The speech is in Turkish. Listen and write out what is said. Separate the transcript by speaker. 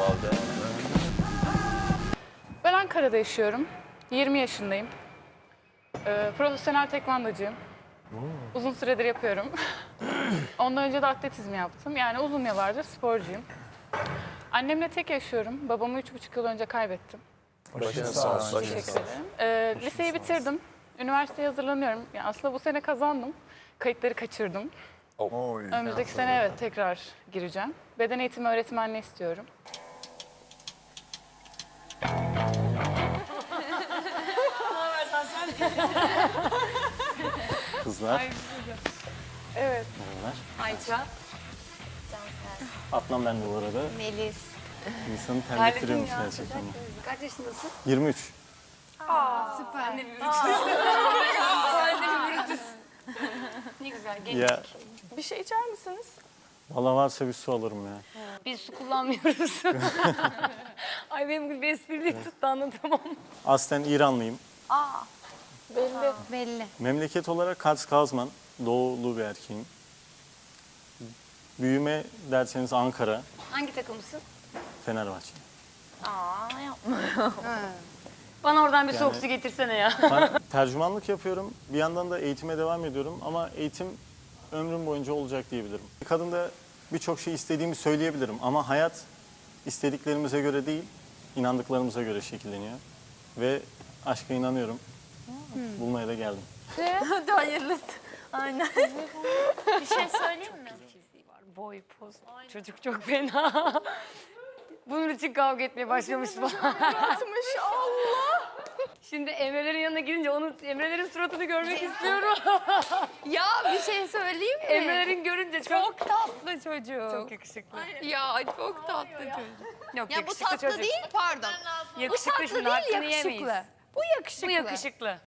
Speaker 1: halde.
Speaker 2: Ben Ankara'da yaşıyorum. 20 yaşındayım. Profesyonel tekvandocuyum. Uzun süredir yapıyorum. Ondan önce de atletizm yaptım. Yani uzun yıllardır sporcuyum. Annemle tek yaşıyorum. Babamı 3,5 yıl önce kaybettim.
Speaker 1: Başına sağ olsun.
Speaker 2: Teşekkür ederim. Liseyi bitirdim. Üniversiteye hazırlanıyorum. Yani aslında bu sene kazandım. Kayıtları kaçırdım. Önümüzdeki sene evet tekrar gireceğim. Beden eğitimi öğretmenliği istiyorum.
Speaker 3: Kızlar.
Speaker 2: Evet.
Speaker 3: Merhabalar.
Speaker 4: Ayça.
Speaker 3: Atlam ben de bu arada.
Speaker 4: Melis.
Speaker 3: İnsanı terlettiriyormuş gerçekten.
Speaker 4: Kaç yaşındasın?
Speaker 3: 23.
Speaker 4: Süper. Ne güzel. Genç.
Speaker 3: Ya
Speaker 2: Bir şey içer misiniz?
Speaker 3: valla varsa bir su alırım ya.
Speaker 4: Biz su kullanmıyoruz. Ay benim bir esprili tuttu anlatamam.
Speaker 3: Aslen İranlıyım.
Speaker 2: Belli.
Speaker 4: Belli.
Speaker 3: Memleket olarak Kars-Kazman. Doğulu bir erkeğim. Büyüme derseniz Ankara,
Speaker 4: Hangi takımısın?
Speaker 3: Fenerbahçe.
Speaker 4: Aa yapma. Bana oradan bir soğuk su getirsene ya.
Speaker 3: Ben tercümanlık yapıyorum. Bir yandan da eğitime devam ediyorum. Ama eğitim ömrüm boyunca olacak diyebilirim. Kadında birçok şey istediğimi söyleyebilirim. Ama hayat istediklerimize göre değil, inandıklarımıza göre şekilleniyor. Ve aşka inanıyorum. Bulmaya da geldim.
Speaker 4: Hadi hayırlısı. Aynen. Bir şey söyleyeyim mi? Boy, poz. Çocuk çok fena. Bunun için kavga etmeye başlamış falan.
Speaker 2: Allah!
Speaker 4: Şimdi Emre'lerin yanına gidince Emre'lerin suratını görmek istiyorum.
Speaker 5: Ya bir şey söyleyeyim mi?
Speaker 4: Emre'lerin görünce
Speaker 5: Çok tatlı çocuk.
Speaker 4: çok yakışıklı.
Speaker 5: Ya çok tatlı çocuk.
Speaker 4: Yok,
Speaker 5: Ya bu
Speaker 4: yakışıklı
Speaker 5: tatlı
Speaker 4: çocuk.
Speaker 5: değil pardon. Bu
Speaker 4: Yakışıklı,
Speaker 5: tatlı
Speaker 4: şimdi
Speaker 5: değil
Speaker 4: hakkını
Speaker 5: yakışıklı.
Speaker 4: yemeyiz.
Speaker 5: Bu yakışıklı.
Speaker 4: Bu yakışıklı.